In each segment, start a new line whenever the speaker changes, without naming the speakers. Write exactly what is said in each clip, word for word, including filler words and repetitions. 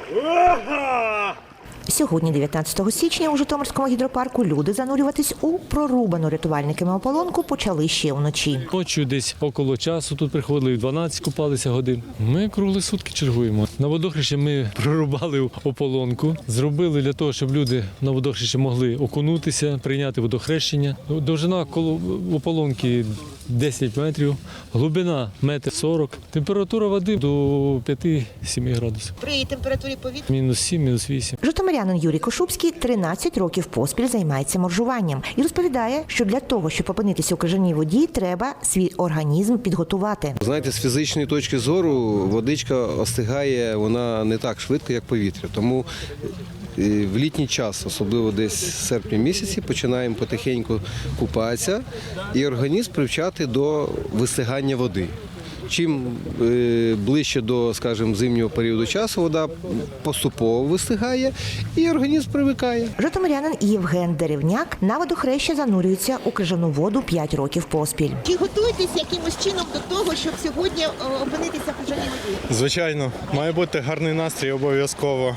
Сьогодні, дев'ятнадцятого січня, у Житомирському гідропарку люди занурюватись у прорубану рятувальниками ополонку почали ще вночі.
Ночі десь около часу тут приходили, в дванадцять купалися годин. Ми круглі сутки чергуємо. На водохрещі ми прорубали ополонку, зробили для того, щоб люди на водохрещі могли окунутися, прийняти водохрещення. Довжина ополонки десять метрів, глибина метр сорок, температура води до п'яти-семи градусів.
При температурі повітря
Мінус сім, мінус вісім.
Житомирянин Юрій Кошубський тринадцять років поспіль займається моржуванням і розповідає, що для того, щоб опинитися у крижаній воді, треба свій організм підготувати.
Знаєте, з фізичної точки зору водичка остигає, вона не так швидко, як повітря. Тому в літній час, особливо десь в серпні місяці, починаємо потихеньку купатися і організм привчати до висихання води. Чим ближче до, скажімо, зимнього періоду часу вода поступово висихає і організм привикає.
Житомирянин Євген Деревняк на водохреща занурюється у крижану воду п'ять років поспіль.
Чи готуєтесь якимось чином до того, щоб сьогодні опинитися в крижаній воді?
Звичайно, має бути гарний настрій обов'язково.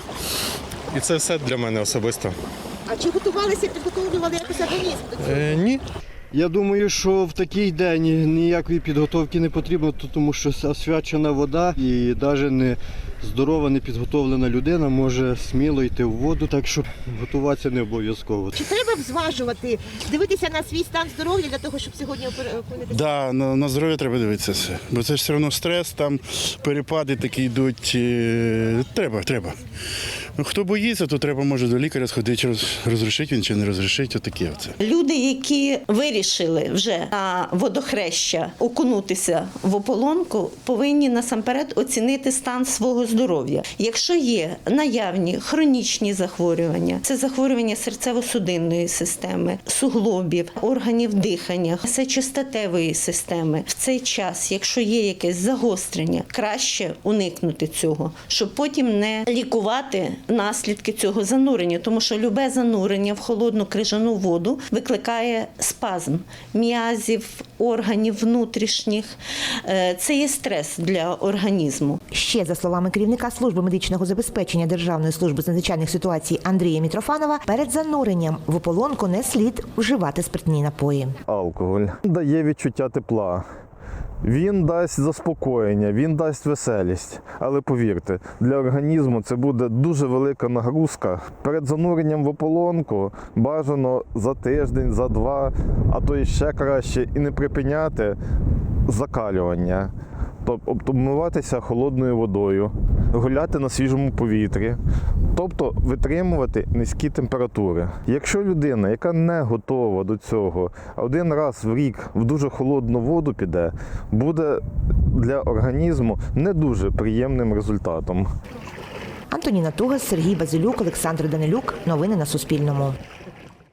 І це все для мене особисто.
А чи готувалися, підготовлювали якось організм до цього?
Е, ні.
Я думаю, що в такий день ніякої підготовки не потрібно, тому що освячена вода і навіть не здорова, не підготовлена людина може сміло йти в воду, так що готуватися не обов'язково.
Чи треба зважувати, дивитися на свій стан здоров'я для того, щоб сьогодні опинитися?
Да, на, на здоров'я треба дивитися все. Бо це ж все одно стрес, там перепади такі йдуть. Е, треба, треба. Ну, хто боїться, то треба, може, до лікаря сходити, чи розрішить він, чи не розрішить, отаке оце.
Люди, які вирішили вже на водохреща окунутися в ополонку, повинні насамперед оцінити стан свого здоров'я. Якщо є наявні хронічні захворювання, це захворювання серцево-судинної системи, суглобів, органів дихання, сечостатевої системи. В цей час, якщо є якесь загострення, краще уникнути цього, щоб потім не лікувати наслідки цього занурення, тому що любе занурення в холодну крижану воду викликає спазм м'язів, органів внутрішніх. Це є стрес для організму.
Ще, за словами керівника служби медичного забезпечення Державної служби з надзвичайних ситуацій Андрія Мітрофанова, перед зануренням в ополонку не слід вживати спиртні напої.
Алкоголь дає відчуття тепла. Він дасть заспокоєння, він дасть веселість. Але повірте, для організму це буде дуже велика нагрузка. Перед зануренням в ополонку бажано за тиждень, за два, а то і ще краще, і не припиняти закалювання. Тобто обмиватися холодною водою, гуляти на свіжому повітрі, тобто витримувати низькі температури. Якщо людина, яка не готова до цього, один раз в рік в дуже холодну воду піде, буде для організму не дуже приємним результатом.
Антоніна Тугас, Сергій Базилюк, Олександр Данилюк. Новини на Суспільному.